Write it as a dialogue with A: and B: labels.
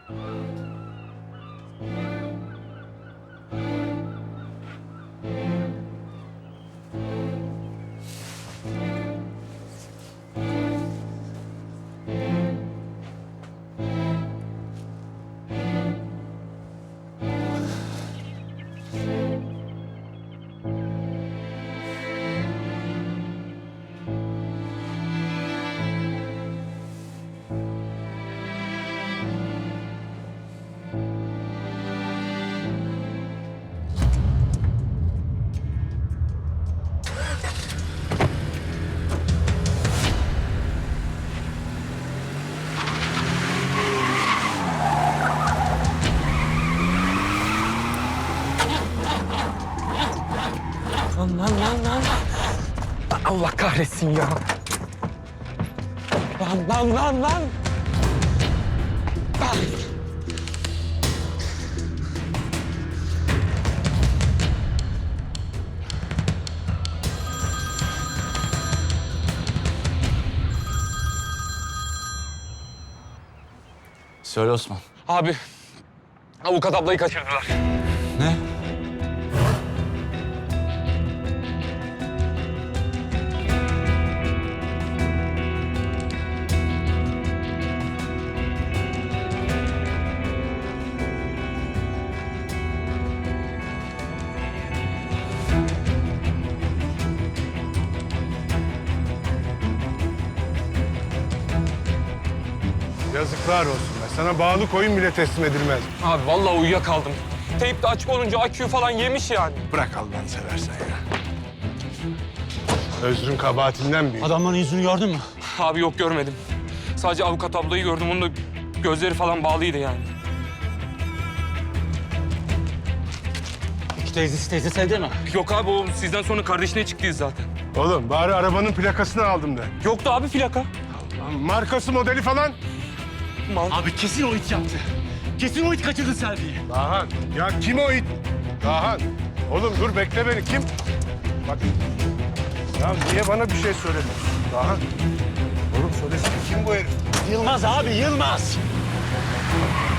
A: Lan. Allah kahretsin ya. Lan.
B: Söyle Osman.
A: Abi, avukat ablayı kaçırdılar.
B: Ne?
C: Yazıklar olsun be. Sana bağlı koyun bile teslim edilmez.
A: Abi vallahi uyuyakaldım. Teyp de açık olunca aküyü falan yemiş yani.
C: Bırak Allah'ını seversen ya. Özrün kabahatinden büyük.
B: Adamların yüzünü gördün mü?
A: Abi yok görmedim. Sadece avukat ablayı gördüm. Onun da gözleri falan bağlıydı yani.
B: İki teyzesi evde mi?
A: Yok abi o sizden sonra kardeşine çıktıyız zaten.
C: Oğlum bari arabanın plakasını aldım de.
A: Yoktu abi plaka.
C: Lan markası modeli falan.
B: Abi kesin o it yaptı. Kesin o it kaçırdı Selvi'yi.
C: Dahan. Ya kim o it? Dahan. Oğlum dur bekle beni. Kim? Bak. Ya niye bana bir şey söylemedin? Dahan. Oğlum söylesene kim bu herif?
B: Yılmaz abi, Yılmaz.